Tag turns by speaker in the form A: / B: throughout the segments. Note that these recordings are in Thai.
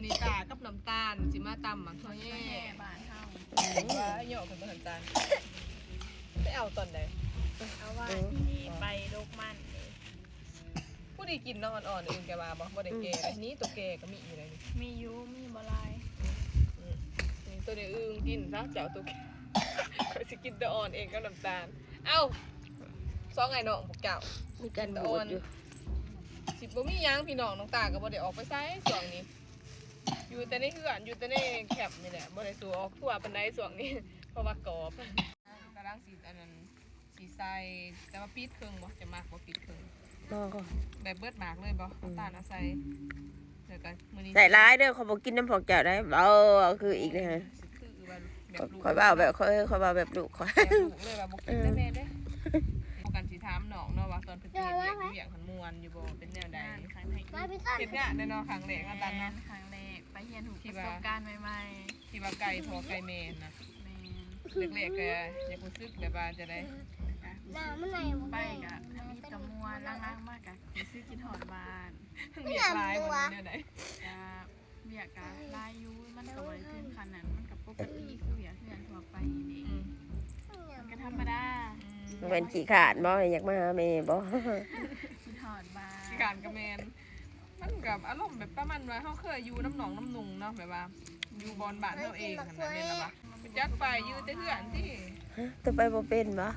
A: นี้ตากับน้ำตาลสิมาตำหมักทั่วแย่บานเท่าว่าเหยาะเป็นน้ำตาลไปเอาตอนใดเอาว่าที่ไปโรคมันผู้ดีกินเนาะอ่อนๆอื่นแกว่าบ่ได้แก่อันนี้ตัวแก่ก็มีอยู่เลยมียูมีบลายตัวเดียวอึ้งกินซะเจ้าตัวแก่สิกินตัวอ่อนเองกับน้ำตาลเอ้า2ไงน้องพวกเจ้ามีกันบูดอยู่สิบ่มียังพี่น้องน้องตาก็บ่ได้ออกไปไสช่วงนี้อยู่แต่ในเฮือนอยู่แต่ในแคบนี่แหละบ่ได้สู่ออกทั่วปานใดช่วงนี้เพราะว่ากรอบกำลังสิอันนั้นสิใส่แต่ว่าปิดครึ่งบ่จะมากบ่ปิดครึ่งแบบเบิดหมากเลยบ่น้ำตาลเอาใส่เดี๋ยวกันมื้อนี้
B: ใส่ร้ายเด้อเขาบอกกินน้ำพอกแก้วได้คืออีกเลยฮะคอยเบาแบบคอยเบาแบบดุคอย
A: เลยว่าบ่กินได้แม่เด้กันสิถามน้องเนาะว่าตอนเพิ่นเฮ็ดเวียกหันม่วนอยู่บ่เป็นแนวใดเฮ็ดงานเนาะครั้งแรกกันตันเนาะครั้งแรกไปเรียนรู้ประสบการณ์ใหม่ๆที่ว่าไก่พอไก่แม่นนะแรกๆก็อยากรู้สึกแบบว่าจะได้ไปกะมีกะม่วนล้างๆมากกะรู้สึกคิดฮอดบ้านเวียกหลายบ่แนวใดก็เวียกกะหลายอยู่มันก็บ่ได้ถึงขนาดนั้นมันก็ปกติคือเวียกเฮือนทั่วไปนี่มันก็ธรรมดา
B: เป็นขี้ขาดบ่อยากมาหาแม่บ่
A: ขี้ขาดบ้าขี้ขาดกับแมนมันกับอารมณ์แบบประมาณว่าเขาเคยอยู่น้ำหนองน้ำนุงเนาะแบบว่าอยู่บอนบ้านเราเองขนาดนี้ละวะจัดไปอยู่แต่เพื่อนที่
B: ตัวไปบ่เป็นบ่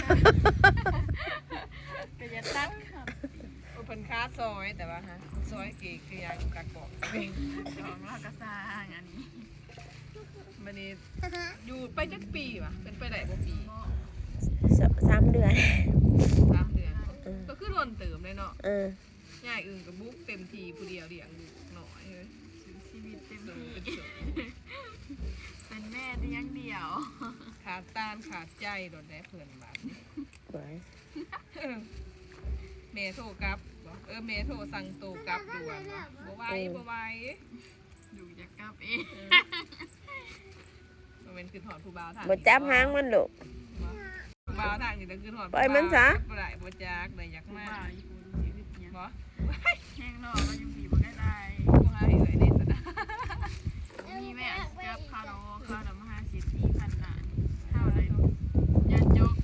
A: ก็จะตัดครับเพิ่นค้าซอยแต่ว่าฮะซอยเก๋คือยายกักบอกจองแล้วก็สร้างอันนี้วันนี้อยู่ไปจักปีวะเป็นไปได้บ่ปี
B: 3 เดือน
A: 3 เดือนก็คือร่นเติมเลยเนาะง่ายอื่นกับบุ๊กเต็มทีผู้เดียวเลี้ยงลูกหน่อยเลยชีวิตเต็มที่เป็นแม่เลี้ยงเดี่ยวขาดตาลขาดใจโดนแน่เพื่อนบ้านเมโทรกลับเมโทรสั่งโตกลับด่วนบ่ไหวอยู่จะกลับเองมันเป็นคือถอดผู้บ่าวทาง
B: บ่จับหางมันลูก
A: บ่าวทางนี่ต้องคือถอด
B: ปล่อยมันซะ
A: บ่ได้บ่จักได้อยากมาบ่แห้งนอกก็ยังบีบบ่ได้บ่หาเอ้ยเด็ดซะนะมีแม่กับคาร์โลคาร์มหาเศรษฐีพันล้านเท่าไรยันยก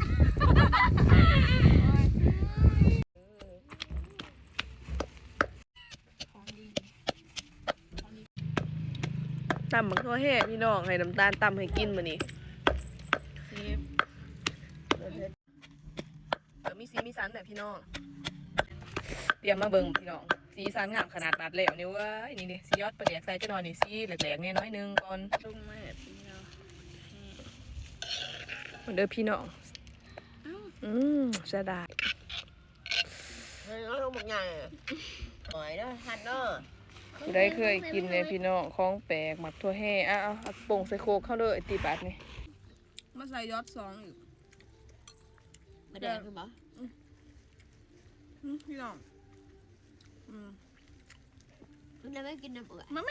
A: ตำบักทั่วแห่พี่น้องให้น้ำตาลตำให้กินมื้อนี้มีสีมีสันแบบพี่น้องเตรียมมาเบิ่งพี่น้องสีสันงามขนาดตัดแล้วนี่เว้ยนี่สียอดประเดี๋ยวใส่จะนอนนี่สีแหลกๆเนี่ยน้อยนึงก่อนลงมาแบบนี้เนาะมันเด้อพี่น้องเสียดาย
B: น้องบอกไงหอยเนาะทันเนาะ
A: ได้เคยกินเลยพี่น้องของแปลกหมักทั่วแห่เอาโป่งใส่โคกเข้าเลยตีบาทนี่มาใส่ยอด2อีก
B: มาแดงคือบ่
A: พี่น้อง
B: มันจะไม่กินน้ำเปื่อย
A: มา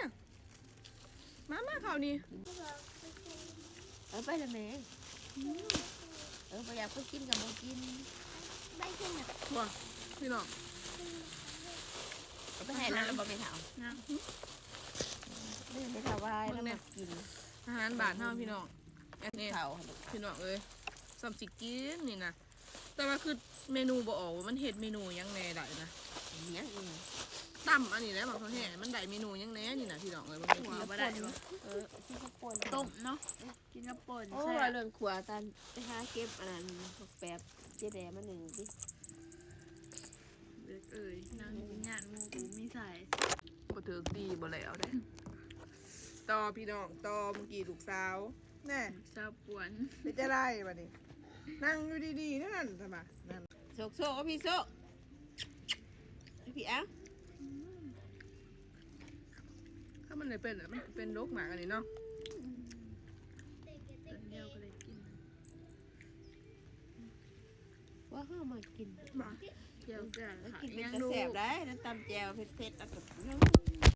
A: ข่าวนี้
B: ไปเลยแม่ไปอยากไปกินกับโมกินไปกินอ่ะ
A: ว้าพี่น้อง
B: ไปให้แล้วบ่ไปเผาไม่เผาไว้แล้วมากิน
A: อาหารบาทเท่าพี่น้องนี่เผาพี่น้องเอ้ยสมสิกินนี่นะแต่ว่าคือเมนูบ่ออกมันเห็ดเมนูยังแน่ได้นะ
B: ยัง
A: ตั้มอันนี้แล้วบางคนแห่มันได้เมนูยังแน่นี่นะพี่น้องเลยบางที
B: ก็ได้กินกระป่น
A: ต้มเนาะกินกระป่น
B: โอ้เรื่องขวาตันไปหาเก็บอันนั้นแป๊บเจ๊แดงมา1ดิ
A: เอ้ยนางงานมูกูมีใส่บ่ถือตีบ่แล้วได้ต่อพี่น้องต่อเมื่อกี้ลูกสาวแน่สาวปวนจะได้บัดนี้นั่งอยู่ดีๆนั่นทำไมนั่น
B: โซพี่โซพี่
A: ถ้ามันเลยเป็นมันเป็นโรคหมากันนี่เนาะต้นเดียวก็เลยกิน
B: ว่าเขามากิน
A: เจียวแก่
B: กินเป็นกระแสบได้น้ำตำแจ่วเผ็ดๆ